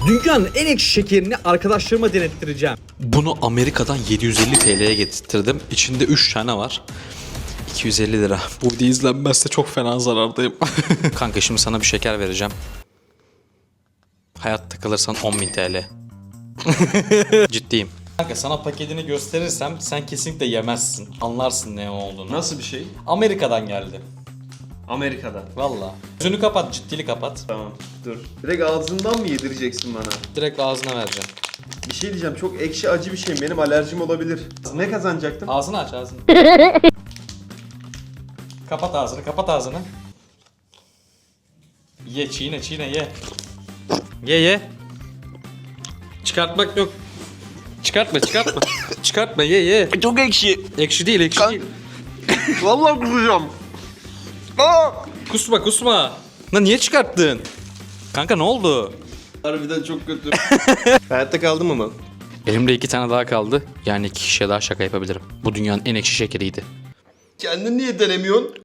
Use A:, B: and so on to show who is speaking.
A: Dünyanın en ekşi şekerini arkadaşlarıma denettireceğim. Bunu Amerika'dan 750 TL'ye getirttirdim. İçinde 3 tane var. 250 lira. Bu video izlenmezse çok fena zarardayım. Kanka şimdi sana bir şeker vereceğim. Hayatta kalırsan 10.000 TL. Ciddiyim. Kanka sana paketini gösterirsem sen kesinlikle yemezsin. Anlarsın ne olduğunu.
B: Nasıl bir şey?
A: Amerika'dan geldi.
B: Amerika'da.
A: Valla. Gözünü kapat, ciddili kapat.
B: Tamam dur. Direkt ağzından mı yedireceksin bana?
A: Direkt ağzına vereceğim.
B: Bir şey diyeceğim, çok ekşi acı bir şey, benim alerjim olabilir. Ne kazanacaktım?
A: Ağzını aç ağzını. Kapat ağzını, kapat ağzını. Ye, çiğne çiğne ye. Ye. Çıkartmak yok. Çıkartma. Çıkartma ye.
B: Çok ekşi.
A: Ekşi değil, ekşi değil.
B: Vallahi kusacağım.
A: Kusma. Lan niye çıkarttın? Kanka ne oldu?
B: Harbiden çok kötü. Hayatta kaldım ama.
A: Elimde 2 tane daha kaldı. Yani 2 kişiye daha şaka yapabilirim. Bu dünyanın en ekşi şekeriydi.
B: Kendin niye denemiyorsun?